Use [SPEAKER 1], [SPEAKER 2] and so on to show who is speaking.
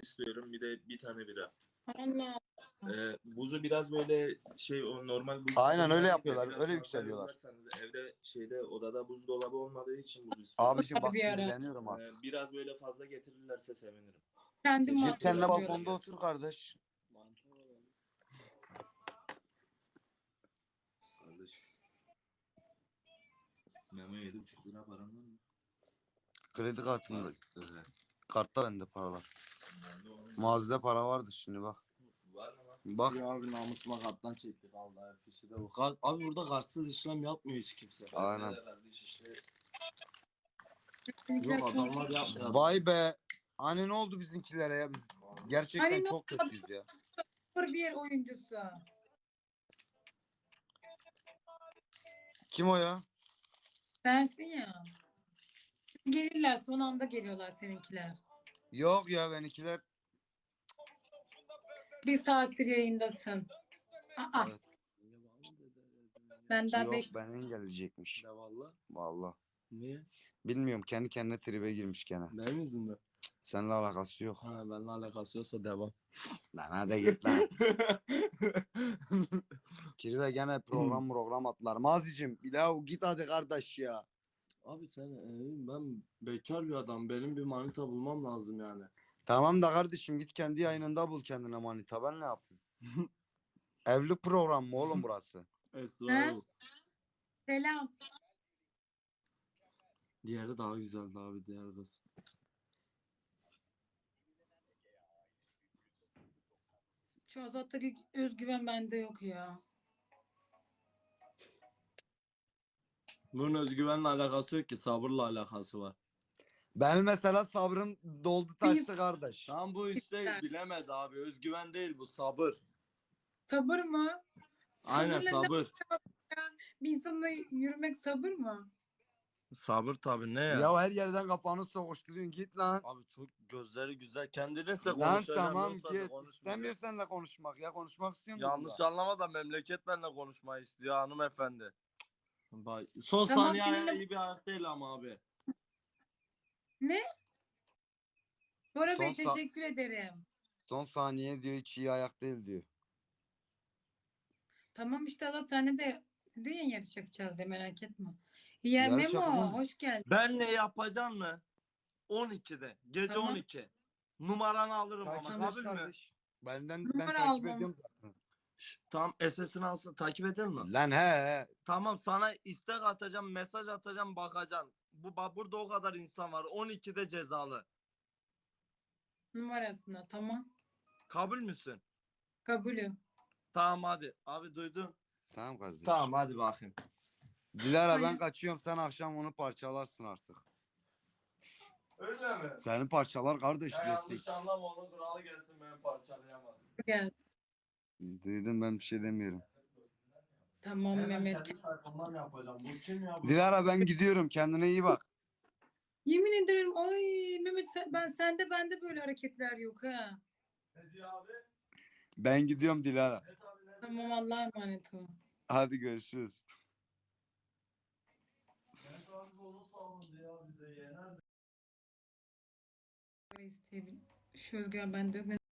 [SPEAKER 1] istiyorum. Bir de bir tane bira.
[SPEAKER 2] Allah.
[SPEAKER 1] Buzu biraz böyle şey o normal buz.
[SPEAKER 3] Aynen öyle
[SPEAKER 1] Biraz
[SPEAKER 3] yapıyorlar.
[SPEAKER 1] fazla
[SPEAKER 3] Öyle yükseliyorlar.
[SPEAKER 1] yollarsanız evde odada buzdolabı olmadığı için buz istiyorum.
[SPEAKER 3] Abiciğim bak
[SPEAKER 2] Bir ara.
[SPEAKER 3] sinirleniyorum artık.
[SPEAKER 1] Biraz böyle fazla getirirlerse sevinirim.
[SPEAKER 2] Kendim
[SPEAKER 3] Git
[SPEAKER 2] mahcup
[SPEAKER 3] kendine
[SPEAKER 2] oluyorum.
[SPEAKER 3] balkonda otur kardeş.
[SPEAKER 1] Kardeş. Memo 7,5 lira param var mı?
[SPEAKER 3] Kredi kartında.
[SPEAKER 1] Evet.
[SPEAKER 3] Kartta bende paralar.
[SPEAKER 1] Bende onun-
[SPEAKER 3] Mağazada para vardı şimdi bak.
[SPEAKER 1] Var mı lan?
[SPEAKER 3] Bak.
[SPEAKER 4] Ya abi namusuma karttan çekti vallahi fişi de bu. Abi burada kartsız işlem yapmıyor hiç kimse.
[SPEAKER 3] Aynen.
[SPEAKER 1] Bende de kardeş işte.
[SPEAKER 4] Yok adamlar yapmıyor.
[SPEAKER 3] Vay be. Hani ne oldu bizimkilere ya biz gerçekten
[SPEAKER 2] Hani ne
[SPEAKER 3] çok
[SPEAKER 2] oldu?
[SPEAKER 3] kötüyüz ya.
[SPEAKER 2] Bir yer oyuncusu.
[SPEAKER 3] Kim o ya?
[SPEAKER 2] Sensin ya. Gelirler son anda geliyorlar seninkiler.
[SPEAKER 3] Yok ya benimkiler.
[SPEAKER 2] Bir saattir yayındasın. Aa,
[SPEAKER 3] Evet.
[SPEAKER 2] ben daha
[SPEAKER 3] Yok
[SPEAKER 2] 5
[SPEAKER 3] benden gelecekmiş.
[SPEAKER 4] Ne valla?
[SPEAKER 3] Vallahi.
[SPEAKER 4] Niye?
[SPEAKER 3] Bilmiyorum kendi kendine tribe girmiş gene.
[SPEAKER 4] Benim yüzümden.
[SPEAKER 3] Seninle alakası yok.
[SPEAKER 4] Ha benimle alakası yoksa devam.
[SPEAKER 3] Lan hadi git lan. Kirve gene program atlar. Mazicim bir daha git hadi kardeş ya.
[SPEAKER 4] Abi sen ben bekar bir adam. Benim bir manita bulmam lazım yani.
[SPEAKER 3] Tamam da kardeşim git kendi yayınında bul kendine manita. Ben ne yapayım? Evlilik programı mı oğlum burası?
[SPEAKER 4] Esra.
[SPEAKER 2] He? Selam.
[SPEAKER 4] Diğeri daha güzeldi abi diğer kız.
[SPEAKER 2] Şu Azat'taki özgüven bende yok ya.
[SPEAKER 4] Bunun özgüvenle alakası yok ki sabırla alakası var.
[SPEAKER 3] Ben mesela sabrım doldu taştı kardeş.
[SPEAKER 4] Tam bu işte bilemedi abi. Özgüven değil bu sabır.
[SPEAKER 2] Sabır mı?
[SPEAKER 4] Aynen
[SPEAKER 2] Sabırla ne
[SPEAKER 4] sabır.
[SPEAKER 2] ya? Bir insanla yürümek sabır mı?
[SPEAKER 4] Sabır tabii ne ya?
[SPEAKER 3] Ya her yerden kafanı sokuşturuyorsun git lan.
[SPEAKER 4] Abi çok gözleri güzel. Kendinizle
[SPEAKER 3] Lan
[SPEAKER 4] konuşacağım.
[SPEAKER 3] tamam
[SPEAKER 4] yoksa da
[SPEAKER 3] git.
[SPEAKER 4] konuşmayacağım.
[SPEAKER 3] İstemiyor seninle konuşmak ya konuşmak istiyorum.
[SPEAKER 4] Yanlış anlama da memleket benimle konuşmayı istiyor hanımefendi. Bak, son
[SPEAKER 2] Tamam,
[SPEAKER 4] saniye
[SPEAKER 2] seninle-
[SPEAKER 4] iyi bir ayak değil ama abi.
[SPEAKER 2] Ne? Bora Bey
[SPEAKER 3] Son sa-
[SPEAKER 2] teşekkür ederim.
[SPEAKER 3] Son saniye diyor hiç iyi ayak değil diyor.
[SPEAKER 2] Tamam işte Allah seninle de dedin ya yarış yapacağız diye merak etme. Ya
[SPEAKER 3] Yarış
[SPEAKER 2] Memo
[SPEAKER 3] yapacağım.
[SPEAKER 2] hoş geldin.
[SPEAKER 4] Ben ne yapacağım mı? 12'de. Gece
[SPEAKER 2] Tamam.
[SPEAKER 4] 12. Numaranı alırım ama
[SPEAKER 3] Takip
[SPEAKER 4] kabul
[SPEAKER 3] et
[SPEAKER 4] mü?
[SPEAKER 3] kardeş. Ben
[SPEAKER 2] Numara
[SPEAKER 3] takip
[SPEAKER 2] almam.
[SPEAKER 3] ediyorum zaten.
[SPEAKER 4] Tamam SS'ini alsın takip eder mi?
[SPEAKER 3] Lan he.
[SPEAKER 4] Tamam sana istek atacağım, mesaj atacağım, bakacaksın. Burada o kadar insan var. 12'de cezalı.
[SPEAKER 2] Numarasına tamam.
[SPEAKER 4] Kabul müsün?
[SPEAKER 2] Kabulüm.
[SPEAKER 4] Tamam hadi. Abi duydun.
[SPEAKER 3] Tamam kardeş.
[SPEAKER 4] Tamam hadi bakayım.
[SPEAKER 3] Dilara ben
[SPEAKER 2] Hayır.
[SPEAKER 3] kaçıyorum sen akşam onu parçalarsın artık.
[SPEAKER 4] Öyle mi?
[SPEAKER 3] Seni parçalar kardeş
[SPEAKER 4] Ya yanlış
[SPEAKER 3] destek.
[SPEAKER 4] anlama onun kralı gelsin beni parçalayamaz.
[SPEAKER 2] Gel.
[SPEAKER 3] Duydum ben bir şey demiyorum.
[SPEAKER 2] Tamam
[SPEAKER 4] Hemen
[SPEAKER 2] Mehmet.
[SPEAKER 4] kendi sayfamdan yapacağım. Bu kim ya? Bu?
[SPEAKER 3] Dilara ben gidiyorum kendine iyi bak.
[SPEAKER 2] Yemin ederim ay Mehmet bende böyle hareketler yok ha.
[SPEAKER 4] Ne diyor abi?
[SPEAKER 3] Ben gidiyorum Dilara.
[SPEAKER 4] Evet abi ne
[SPEAKER 2] Tamam Allah'a emanet ol.
[SPEAKER 3] Hadi görüşürüz.
[SPEAKER 4] Evet abi onu savundu ya bize yener.
[SPEAKER 2] Şu özgüven bende yok.